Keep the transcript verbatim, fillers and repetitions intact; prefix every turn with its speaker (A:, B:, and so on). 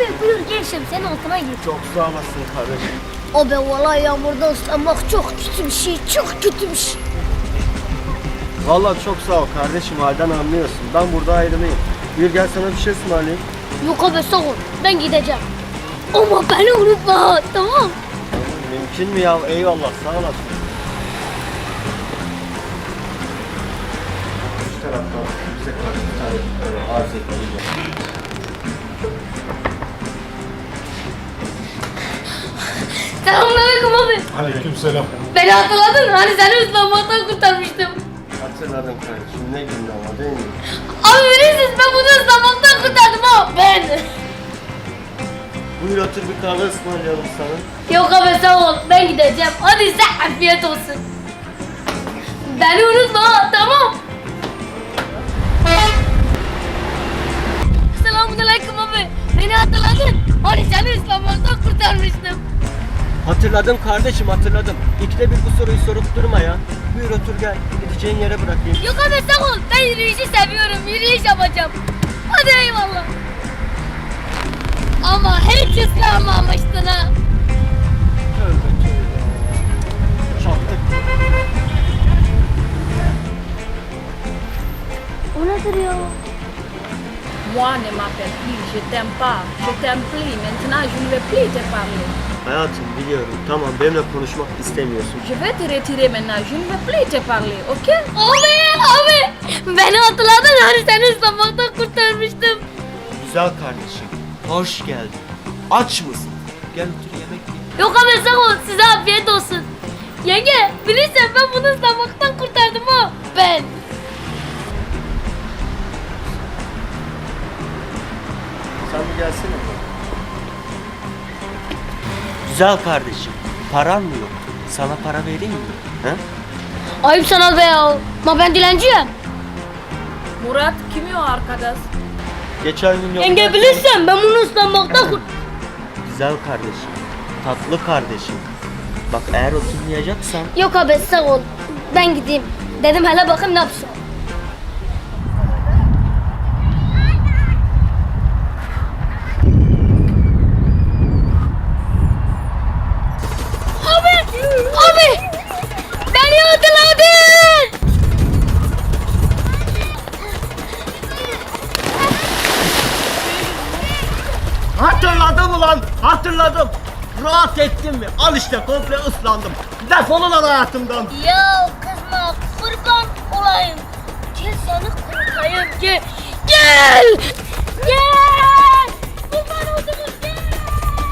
A: Abi buyur gel şemsiyenin altına gir.
B: Çok sağ olasın kardeşim.
A: Abi vallahi yağmurda ıslanmak çok kötü bir şey, çok kötü bir şey.
B: Vallahi çok sağ ol kardeşim, halden anlıyorsun. Ben burada ayrılayım. Buyur gel sana bir şey ısmarlayayım.
A: Yok abi sağ ol, ben gideceğim. Ama beni unutma, tamam.
B: Mümkün mü ya? Eyvallah, sağ olasın. Şu taraftan bize kaç bir tane e, arz etmeyeceğim.
A: Selamünaleyküm abi.
C: Aleykümselam.
A: Beni hatırladın mı? Hani seni ıslanmaktan kurtarmıştım.
B: Hatırladım kardeşim, ne gündü ama değil mi?
A: Abi bilirsiniz ben bunu ıslanmaktan kurtardım ha. Ben.
B: Buyur otur, bir kahve ısmarlayalım sana.
A: Yok abi sağ ol, ben gideceğim. Hadi size afiyet olsun. Beni unutma ha, tamam. Selamünaleyküm abi. Beni hatırladın. Hani seni ıslanmaktan kurtarmıştım.
B: Hatırladım kardeşim, hatırladım. İkide bir bu soruyu sorup durma ya. Buyur otur gel, gideceğin yere bırakayım.
A: Yok abi sağ ol. Ben yürüyüşü seviyorum. Yürüyüş yapacağım. Hadi eyvallah. Ama hiç ıslanmamıştın ha.
B: Tövbe tövbe. Çattık.
A: O nedir ya?
D: Moi ne m'appelle plus, je t'aime pas, je t'aime plus, maintenant je ne vais plus te parler.
B: Hayatım biliyorum, tamam benimle konuşmak istemiyorsun.
D: Je vais te retirer maintenant, je ne vais plus te parler, ok?
A: Abi abi. Beni hatırladın hani seni ıslanmaktan kurtarmıştım.
B: Güzel kardeşim, hoş geldin. Aç mısın? Gel otur yemek ye.
A: Yok abi sağ ol. Size afiyet olsun. Yenge bilirsen ben bunu ıslanmaktan kurtardım ha. Ben.
B: Sen bir gelsene. Güzel kardeşim, paran mı yok? Sana para vereyim mi? He?
A: Ayıp sana be ya. Ma ben dilenciyim.
D: Murat, kim o arkadaş?
B: Geçen gün yok.
A: Yenge bilirsen ben bunu ıslanmaktan kurt...
B: Güzel kardeşim, tatlı kardeşim. Bak eğer oturmayacaksan
A: Yok abi sağ ol. Ben gideyim. Dedim hele bakayım ne yapsın. Abi! Abi! Beni hatırladın!
B: hatırladım ulan, hatırladım. Rahat ettin mi? Al işte komple ıslandım. Defolun lan hayatımdan.
A: Ya kızma kurban olayım. Gel seni kurtarayım gel. Gel!